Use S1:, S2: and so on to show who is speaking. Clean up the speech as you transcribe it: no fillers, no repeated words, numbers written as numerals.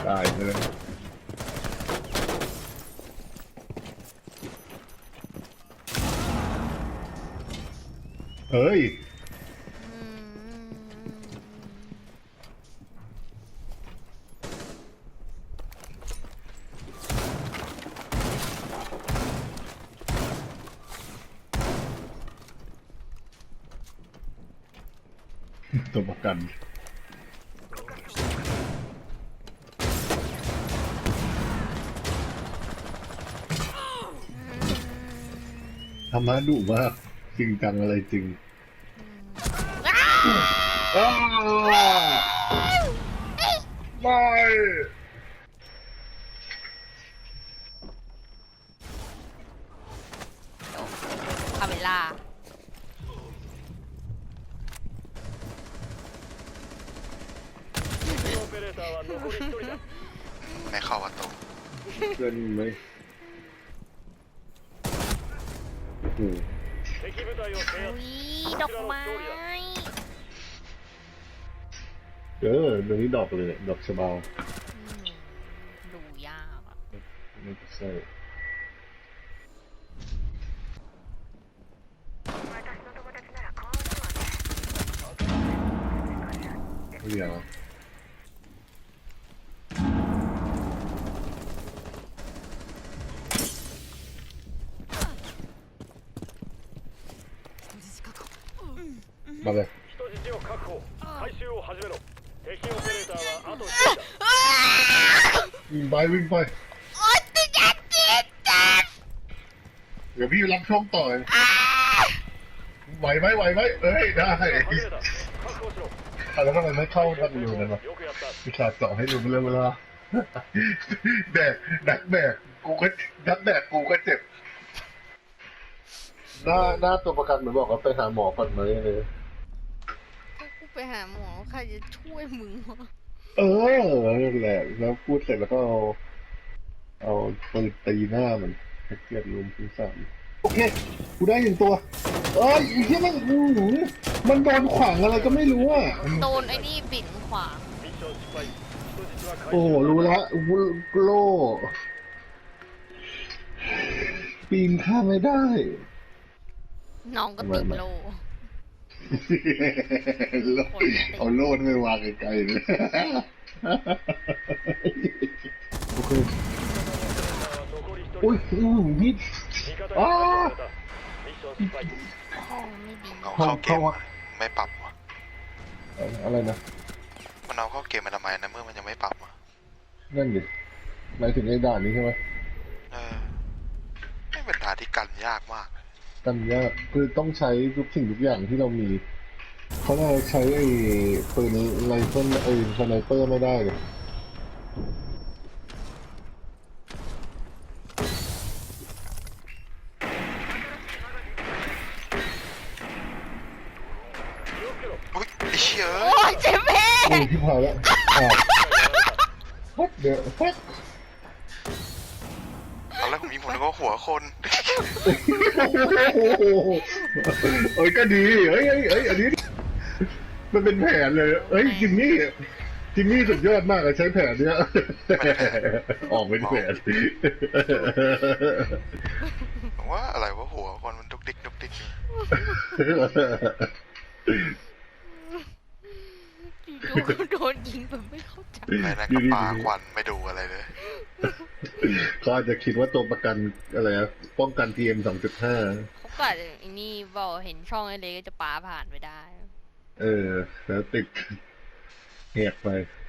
S1: ตายเลยเฮ้ยตัวประกันธรรมะดุมากจริงจังอะไรจริงไม่
S2: คาเมล่า
S3: ไม่เข้าประตู
S1: เพื่อนไหม
S2: อุ้ยดอกไม้
S1: เดี๋ยวนี้ดอกเลยดอกชะบา
S2: ดูยากอ่ะ
S1: ไม่ใช่เดี๋ยวมาเลยวิ่งไปวิ่งไปเดี๋ยวพี่รับช่วงต่อไหวไหมไหวไหมเอ้ยได้แล้วทำไมไม่เข้าทางอยู่นั่นวะพี่ขาดเจาะให้ดูเรื่องเวลาแบกนักแบกกูก็นักแบกกูก็เจ็บหน้าตัวประกันเหมือนบอกว่าไปหาหมอก่อนไหมเลย
S2: กูไปหาหมอใครจะช่วยมึงวะ
S1: นั่นแหละแล้วพูดเสร็จแล้วก็เอาปืนตีหน้ามันให้เกียรติลุมพิสามโอเคกูได้1ตัวอีกที่มันโดนขวางอะไรก็ไม่รู้อ่ะ
S2: โดนไอ้นี่บิ่นขวาง
S1: โอ้รู้แล้วโล่ปีนข้ามไม่ได้
S2: น้องก็ติดโล
S1: เอาโล่ไม่วางไกลๆเลยโอเคอุ้ยนี่
S2: ไม่ดี
S3: เอาเข้าเกมไม่ปรับวะ
S1: อะไรนะ
S3: มันเอาเข้าเกมมาทำไมนะเมื่อมันยังไม่ปรับวะ
S1: นั่นดิหมายถึงไอ้ด่านนี้ใช่ไหม
S3: ไม่เป็นด่านที่กันยากมาก
S1: กันยากคือต้องใช้ทุกสิ่งทุกอย่างที่เรามีเขาเราใช้ไอ้ปืนไรเฟิลไอ้สไนเปอร์ไม่ได้เลย
S3: อุ้ยไอ้เชี่ย
S2: โอ้ยเจ็บแม่
S1: ที่พอแล้วฟัดเดี๋ยวฟัด
S3: ตอนแรกผมยิงผมนึกว่าหัวคน
S1: ก็ดีอันนี้มันเป็นแผนเลยจิมมี่สุดยอดมากใช้แผนเนี้ยออกเป็นแผน
S3: ว่าอะไรว่าหัวคนมันดุกดิกดุกดิก
S2: โดนยิงแบบไม่เข้าใจ
S3: ไม่นะกระปาควันไม่ดูอะไรเลย
S1: เขาอาจจะคิดว่าตัวประกันอะไรป้องกัน PM 2.5
S2: เขาก็ไอ้นี่บอกเห็นช่องไอ้เล็กก็จะปาผ่านไปได้
S1: แล้วติดแหกไป